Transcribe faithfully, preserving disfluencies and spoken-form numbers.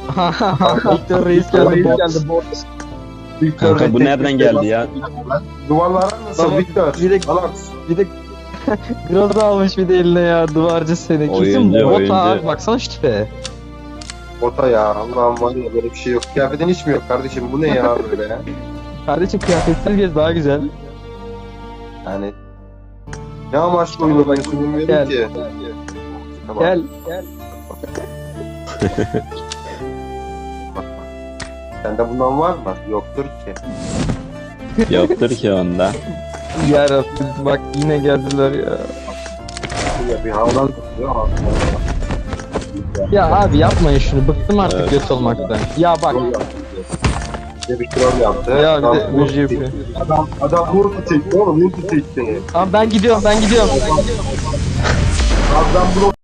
Victor Reis geldi. Bot. Victor Kanka bu nereden geldi ya? Duvarlara nasıl Baba, Victor? bir de- Alex. Bir de Groza almış bir de eline ya, duvarcı seni. Kesin Oyuncu, bot oyuncu. abi, baksana şu tipe. Bota ya Allah'ım var ya böyle bir şey yok. Kıyafetin hiç mi yok kardeşim? Bu ne ya böyle ya? Kardeşim kıyafetsiz gez daha güzel. Yani ne amaçlı oynadığını bilmiyorum Gel. ki. Tamam. Gel. Gel. Sende bundan var mı? Yoktur ki. Yoktur ki onda. Yarabbim bak yine geldiler ya. Ya bir havlan tutuyor ama. Ya abi yapmayın şunu, bıktım artık Evet. göt olmaktan. Ya bak Bir de bir troll yaptı. ya bir Adam de vurdu müziği yapıyor. çekti. Adam, adam vurdu çekti oğlum. Vurdu çekti. Abi ben gidiyorum ben gidiyorum. Adam blok